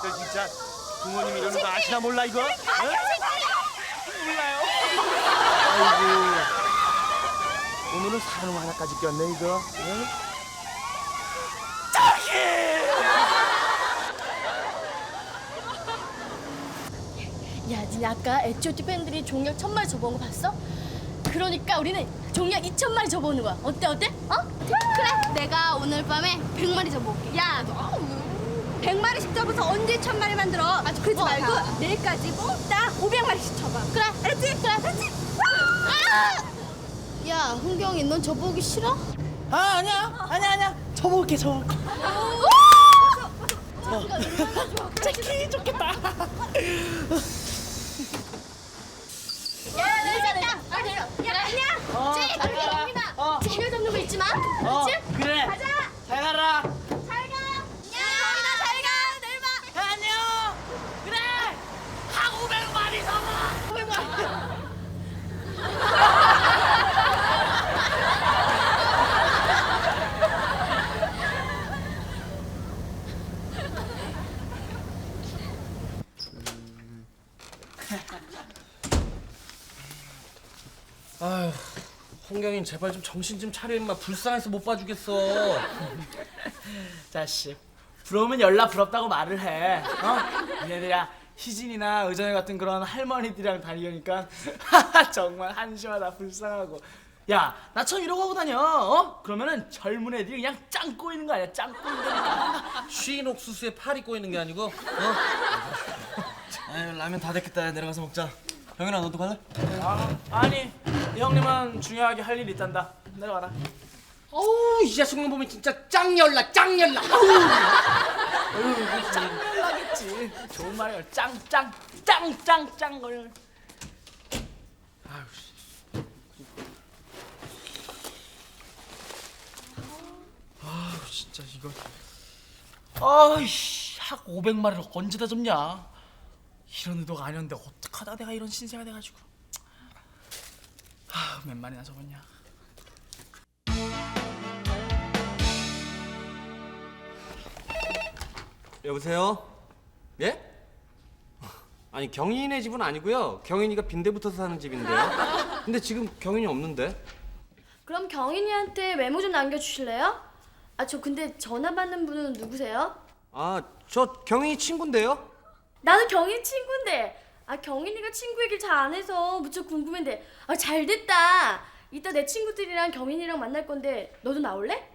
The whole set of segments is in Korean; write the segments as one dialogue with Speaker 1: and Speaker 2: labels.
Speaker 1: 것들 진짜 부모님 이러는 거 아시나 몰라 이거? 어? 몰라요. 아이고 오늘은 산후 하나까지 꼈네 이거. 응?
Speaker 2: 야, 니네 아까 H.O.T 팬들이 종약 1000마리 접어온 거 봤어? 그러니까 우리는 종약 2000마리 접어오는 거야. 어때? 어?
Speaker 3: 그래, 내가 오늘 밤에 100마리 접어올게.
Speaker 2: 야, 너
Speaker 3: 100마리씩 접어서 언제 1000마리 만들어? 아주 그러지 말고 내일까지 몽땅 500마리씩 접어. 그래, 알았지? 그래, 알았지?
Speaker 2: 야, 흥경이 넌 접어오기 싫어?
Speaker 4: 아니야. 접어올게.
Speaker 2: 좋기 좋겠다. 야, 내리자. 야, 아니야. 쟤, 갑니다. 쟤를 잡는 거 잊지 마. 그렇지?
Speaker 4: 그래.
Speaker 2: 가자.
Speaker 4: 잘 가라.
Speaker 2: 잘 가. 야, 잘 가. 내일 봐.
Speaker 4: 안녕. 그래. 한 500마리 잡아.
Speaker 2: 500마리.
Speaker 5: 아휴, 홍경인 제발 좀 정신 좀 차려 임마. 불쌍해서 못 봐주겠어.
Speaker 4: 자식, 부러우면 열나 부럽다고 말을 해. 얘들아, 희진이나 의정이 같은 그런 할머니들이랑 다니니까 정말 한심하다, 불쌍하고. 야, 나처럼 이러고 하고 다녀. 그러면은 젊은 애들이 그냥 짱 꼬이는 거 아니야? 짱 꼬인다니까.
Speaker 5: 쉬인 옥수수에 팔이 꼬이는 게 아니고. 아유, 라면 다 됐겠다. 내려가서 먹자. 형이랑 너도 갈래?
Speaker 4: 아니, 이 형님은 중요하게 할 일이 있단다. 내려가라.
Speaker 5: 어우, 이 자식만 보면 진짜 짱 열나.
Speaker 4: 짱 연락했지. 좋은 말이야. 짱 걸.
Speaker 5: 아유, 진짜 이거. 아이씨, 학 500마리를 언제 다 접냐?
Speaker 4: 이런 의도가 아니었는데 어떡하다 내가 이런 신세가 돼가지고. 몇 마리나 접었냐.
Speaker 6: 여보세요? 예? 아니 경인이네 집은 아니고요. 경인이가 빈대 붙어서 사는 집인데요. 근데 지금 경인이 없는데.
Speaker 2: 그럼 경인이한테 메모 좀 남겨주실래요? 아, 저 근데 전화 받는 분은 누구세요?
Speaker 6: 아, 저 경인이 친구인데요.
Speaker 2: 나도 경인 친구인데. 아, 경인이가 친구 얘기를 잘 안 해서 무척 궁금한데. 아, 잘 됐다. 이따 내 친구들이랑 경인이랑 만날 건데 너도 나올래?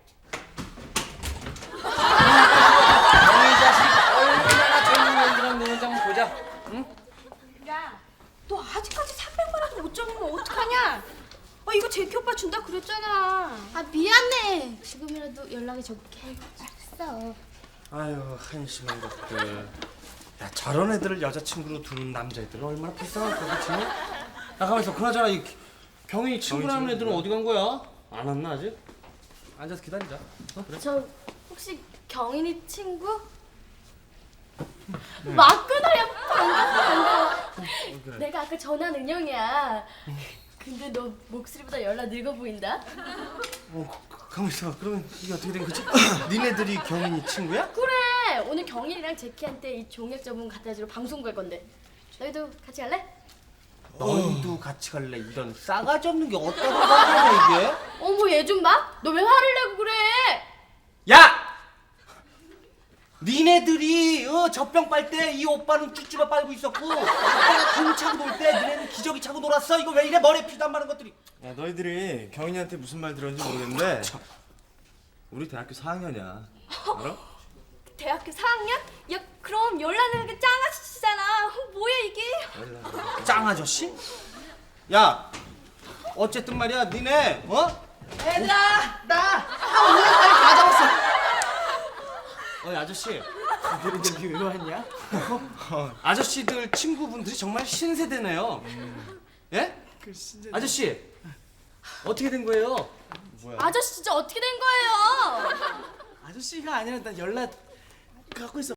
Speaker 5: 형이 자식 얼마나 젊은 애들이랑 노는지 한번 보자. 응?
Speaker 3: 야, 너 아직까지 300마리도 못 접으면 어떡하냐? 이거 제키 오빠 준다 그랬잖아.
Speaker 2: 아, 미안해. 지금이라도 연락이 좋게. 알았어.
Speaker 6: 아유, 한심한 것들. 야, 저런 애들을 여자친구로 두는 남자애들은 얼마나 불쌍할까, 그치?
Speaker 5: 야, 가만있어. 그나저나 이 경인이 친구라는 애들은 어디 간 거야?
Speaker 6: 안 왔나 아직? 앉아서 기다리자. 그래?
Speaker 2: 저 혹시 경인이 친구? 맞구나야. 반가워.
Speaker 6: 그래.
Speaker 2: 내가 아까 전화한 은영이야. 근데 너 목소리보다 연락 늙어 보인다.
Speaker 6: 가만있어. 그러면 이게 어떻게 된 거지? 니네들이 경인이 친구야?
Speaker 2: 그래. 오늘 경인이랑 제키한테 이 종약 접은 갖다 주러 방송 갈 건데. 너희도 같이 갈래?
Speaker 6: 너희도 같이 갈래? 이런 싸가지 없는 게 어디다 가냐 이게?
Speaker 2: 어머, 얘 좀 봐. 너 왜 화를 내고 그래?
Speaker 6: 야! 니네들이 젖병 빨 때 이 오빠는 쭈쭈바 빨고 있었고 오빠가 공 차고 놀 때 니네는 기저귀 차고 놀았어. 이거 왜 이래? 머리에 피도 안 마른 것들이.
Speaker 1: 야 너희들이 경인이한테 무슨 말 들었는지 모르겠는데 우리 대학교 4학년이야. 알아?
Speaker 2: 대학교 4학년? 야, 그럼 연락하는 게 짱아씨잖아. 뭐야 이게?
Speaker 6: 짱 아저씨? 야, 어쨌든 말이야, 니네
Speaker 4: 얘들아, 나 한 500마리 다 잡았어.
Speaker 6: 아저씨,
Speaker 4: 너희들 여기 왜 왔냐?
Speaker 6: 아저씨들 친구분들이 정말 신세대네요. 예? 아저씨, 어떻게 된 거예요?
Speaker 2: 아저씨 진짜 어떻게 된 거예요?
Speaker 4: 아저씨가 아니라 나 연락 갖고 있어.